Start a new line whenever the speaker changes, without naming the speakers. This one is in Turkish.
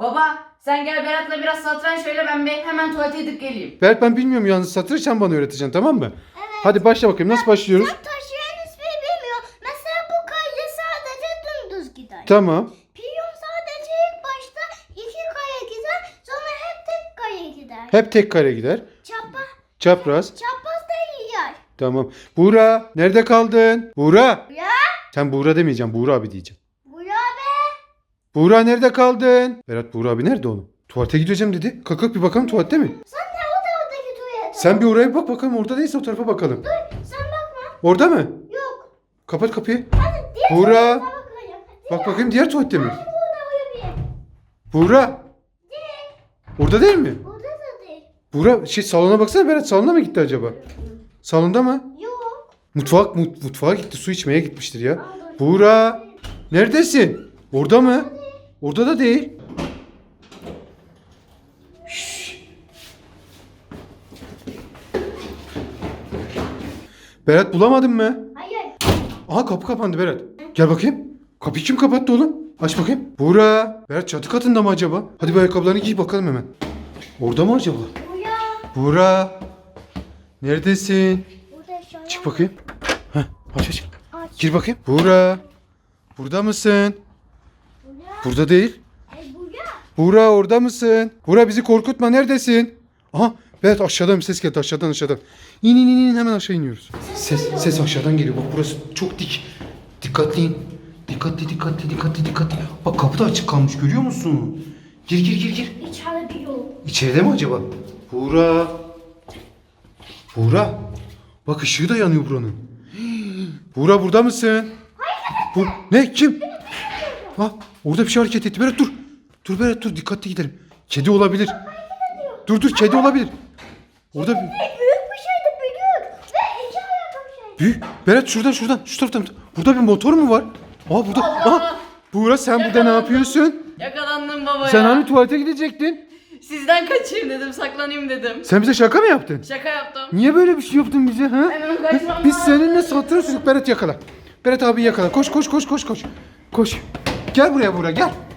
Baba sen gel Berat'la biraz satranç şöyle ben bir hemen tuvalete gidip geleyim.
Berat ben bilmiyorum yalnız satranç, sen bana öğreteceksin, tamam mı? Evet. Hadi başla bakayım, nasıl başlıyoruz?
Sen taşıyan ismi bilmiyor. Mesela bu kale sadece dümdüz gider.
Tamam.
Piyon sadece ilk başta 2 kare gider. Sonra hep tek kare gider.
Hep tek kare gider. Çapraz.
Çapraz da yer.
Tamam. Buğra nerede kaldın? Buğra.
Ya.
Sen Buğra demeyeceğim, Buğra abi diyeceğim.
Buraya be.
Buğra nerede kaldın? Berat, Buğra abi nerede oğlum? Tuvalete gideceğim dedi. Kalk bir bakalım, tuvalette mi?
Sen de o taraftaki tuvalete.
Sen bir oraya bir bak bakalım, orada değilse o tarafa bakalım.
Dur sen bakma.
Orada mı?
Yok.
Kapat kapıyı.
Hadi diğer
Buğra.
tuvalete bakacağım.
Bak bakayım, diğer tuvalette mi?
Hadi burada uyuyayım.
Buğra. Orada değil mi?
Burada da değil.
Buğra salona baksana, Berat salona mı gitti acaba? Salonda mı?
Yok.
Mutfağa gitti, su içmeye gitmiştir ya. Buğra neredesin? Orada mı? Orada da değil. Şşş. Berat bulamadın mı?
Hayır.
Aha, kapı kapandı Berat. Gel bakayım. Kapıyı kim kapattı oğlum? Aç bakayım. Buğra. Berat çatı katında mı acaba? Hadi bir ayakkabılarını giy bakalım hemen. Orada mı acaba?
Buraya.
Buğra. Neredesin?
Burada aşağıya.
Çık bakayım. Heh, aç.
Aç.
Gir bakayım. Buğra. Burada mısın?
Buraya.
Burada değil.
Buraya.
Buğra orada mısın? Buğra bizi korkutma, neredesin? Aha, Berat aşağıdan bir ses geldi, aşağıdan. İn hemen aşağı iniyoruz. Ses aşağıdan geliyor. Bak burası çok dik. Dikkatli in. Dikkatli. Bak kapı da açık kalmış, görüyor musun? Gir.
İçeride bir yol.
İçeride mi acaba? Buğra. Bak ışığı da yanıyor buranın. Buğra burada mısın? Ne? Kim? Ha, orada bir şey hareket etti. Berat dur. Dur Berat dur, dikkatli gidelim. Kedi olabilir. Dur kedi olabilir. Orada
Büyük bir şeydi büyük. Ve iki ayaklı bir şey.
büyük. Berat şuradan şu taraftan. Burada bir motor mu var? Aa burada. Aha. Buğra sen burada ne yapıyorsun?
Yakalandım baba
Sen
ya.
hani tuvalete gidecektin?
Sizden kaçayım dedim saklanayım dedim.
Sen bize şaka mı yaptın?
Şaka yaptım.
Niye böyle bir şey yaptın bize ha?
Hemen kaçmam
Biz
lazım.
seninle satranç çocuk. Berat yakala. Berat abi yakala. Koş. Koş. Gel buraya Buğra, gel.